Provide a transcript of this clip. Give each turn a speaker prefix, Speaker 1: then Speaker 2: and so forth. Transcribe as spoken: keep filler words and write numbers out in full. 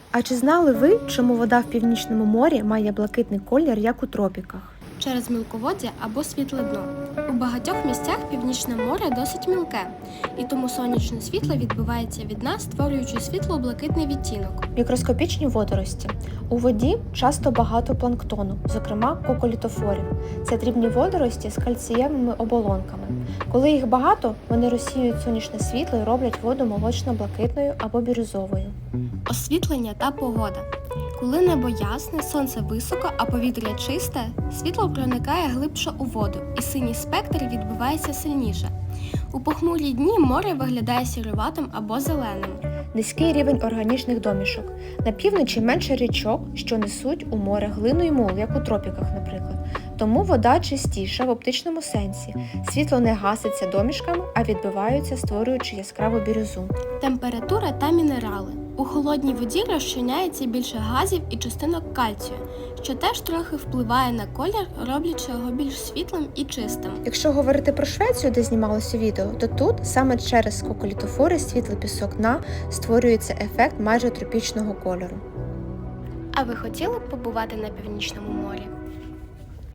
Speaker 1: А чи знали ви, чому вода в Північному морі має блакитний колір, як у тропіках?
Speaker 2: Через мілководдя або світле дно. У багатьох місцях Північне море досить мілке, і тому сонячне світло відбивається від нас, створюючи світло-блакитний відтінок.
Speaker 1: Мікроскопічні водорості. У воді часто багато планктону, зокрема коколітофорів. Це дрібні водорості з кальцієвими оболонками. Коли їх багато, вони розсіюють сонячне світло і роблять воду молочно-блакитною або бірюзовою.
Speaker 2: Освітлення та погода. Коли небо ясне, сонце високо, а повітря чисте, світло проникає глибше у воду, і синій спектр відбивається сильніше. У похмурі дні море виглядає сіруватим або зеленим.
Speaker 1: Низький рівень органічних домішок. На півночі менше річок, що несуть у море глину й мул, як у тропіках, наприклад. Тому вода чистіша в оптичному сенсі. Світло не гаситься домішками, а відбиваються, створюючи яскраву бірюзу.
Speaker 2: Температура та мінерали. У холодній воді розчиняється більше газів і частинок кальцію, що теж трохи впливає на колір, роблячи його більш світлим і чистим.
Speaker 1: Якщо говорити про Швецію, де знімалося відео, то тут саме через коколітофори світлий пісок дна створюється ефект майже тропічного кольору.
Speaker 2: А ви хотіли б побувати на Північному морі?